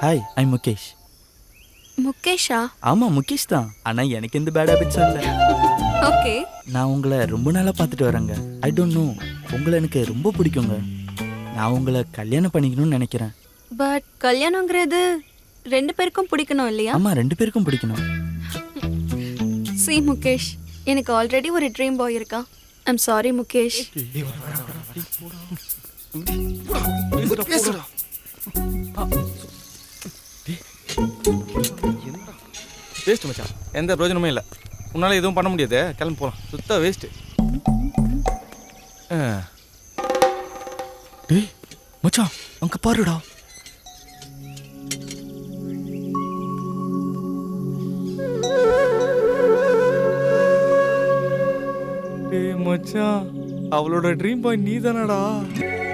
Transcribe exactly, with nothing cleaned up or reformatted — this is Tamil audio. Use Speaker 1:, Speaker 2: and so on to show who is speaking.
Speaker 1: ஹாய், ஐ முகேஷ்.
Speaker 2: முகேஷா?
Speaker 1: ஆமாம், முகேஷ் தான். ஆனால் எனக்கு எந்த பேட் ஹேபிட்ஸும் இல்லை.
Speaker 2: ஓகே.
Speaker 1: நான் உங்களை ரொம்ப நாளாக பார்த்துட்டு வரேங்க. ஐ டோன்ட் நோ, உங்களை எனக்கு ரொம்ப பிடிக்குங்க. நான் உங்களை கல்யாணம் பண்ணிக்கணும்னு நினைக்கிறேன்.
Speaker 2: பட் கல்யாணங்கிறது ரெண்டு பேருக்கும் பிடிக்கணும் இல்லையா?
Speaker 1: ஆமாம், ரெண்டு பேருக்கும் பிடிக்கணும்.
Speaker 2: சி முகேஷ், எனக்கு ஆல்ரெடி ஒரு ட்ரீம் பாய் இருக்கான். I'm sorry Mukesh.
Speaker 3: வேஸ்ட் மச்சான், எந்த பிரயோஜனமும் இல்லை. உன்னால் எதுவும் பண்ண முடியாது, கிளம்பி போகலாம். சுத்த வேஸ்ட்டு.
Speaker 1: டேய் மச்சான், அங்கே பாருடா.
Speaker 3: டேய் மச்சான், அவளோட ட்ரீம் பாய் நீ தானடா?